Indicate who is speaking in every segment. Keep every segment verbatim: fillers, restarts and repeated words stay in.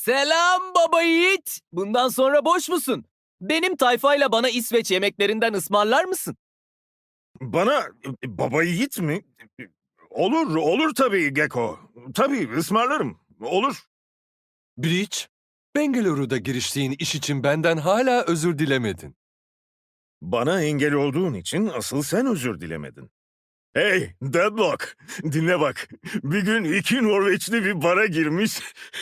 Speaker 1: Selam baba yiğit. Bundan sonra boş musun? Benim tayfayla bana İsveç yemeklerinden ısmarlar mısın?
Speaker 2: Bana e, baba yiğit mi? Olur, olur tabii Gecko. Tabii ısmarlarım. Olur.
Speaker 3: Breach, Bengaluru'da giriştiğin iş için benden hala özür dilemedin.
Speaker 2: Bana engel olduğun için asıl sen özür dilemedin. Hey Deadlock, dinle bak. Bir gün iki Norveçli bir bara girmiş.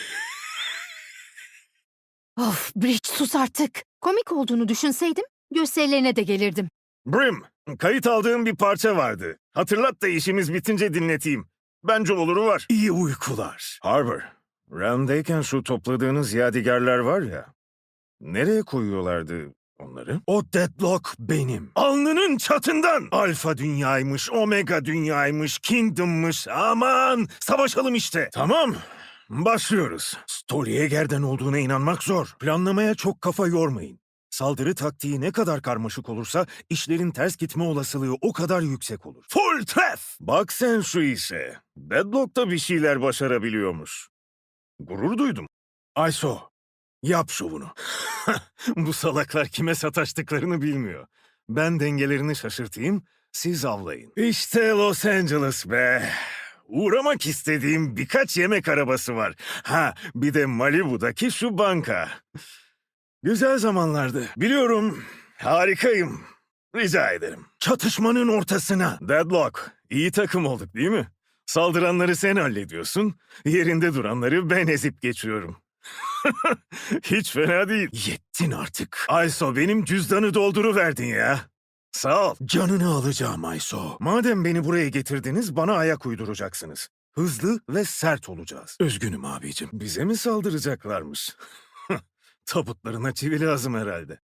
Speaker 4: Of, Bridge sus artık. Komik olduğunu düşünseydim gösterilerine de gelirdim.
Speaker 2: Brim, kayıt aldığım bir parça vardı. Hatırlat da işimiz bitince dinleteyim. Bence oluru var. İyi uykular. Harbor, Realm'deyken şu topladığınız yadigarlar var ya. Nereye koyuyorlardı onları? O Deadlock benim. Alnının çatından. Alfa dünyaymış, Omega dünyaymış, Kingdom'mış. Aman savaşalım işte. Tamam. Başlıyoruz. Storyeger'den olduğuna inanmak zor. Planlamaya çok kafa yormayın. Saldırı taktiği ne kadar karmaşık olursa işlerin ters gitme olasılığı o kadar yüksek olur. Full tref! Bak sen şu işe. Deadlock da bir şeyler başarabiliyormuş. Gurur duydum. Ayso, yap şovunu. Bu salaklar kime sataştıklarını bilmiyor. Ben dengelerini şaşırtayım, siz avlayın. İşte Los Angeles be. Uğramak istediğim birkaç yemek arabası var. Ha, bir de Malibu'daki şu banka. Güzel zamanlardı. Biliyorum, harikayım. Rica ederim. Çatışmanın ortasına. Deadlock, iyi takım olduk değil mi? Saldıranları sen hallediyorsun, yerinde duranları ben ezip geçiyorum. Hiç fena değil. Yettin artık. Ayso benim cüzdanı dolduruverdin ya. Sağ ol. Canını alacağım Ayso. Madem beni buraya getirdiniz bana ayak uyduracaksınız. Hızlı ve sert olacağız. Üzgünüm abicim. Bize mi saldıracaklarmış? Tabutlarına çivi lazım herhalde.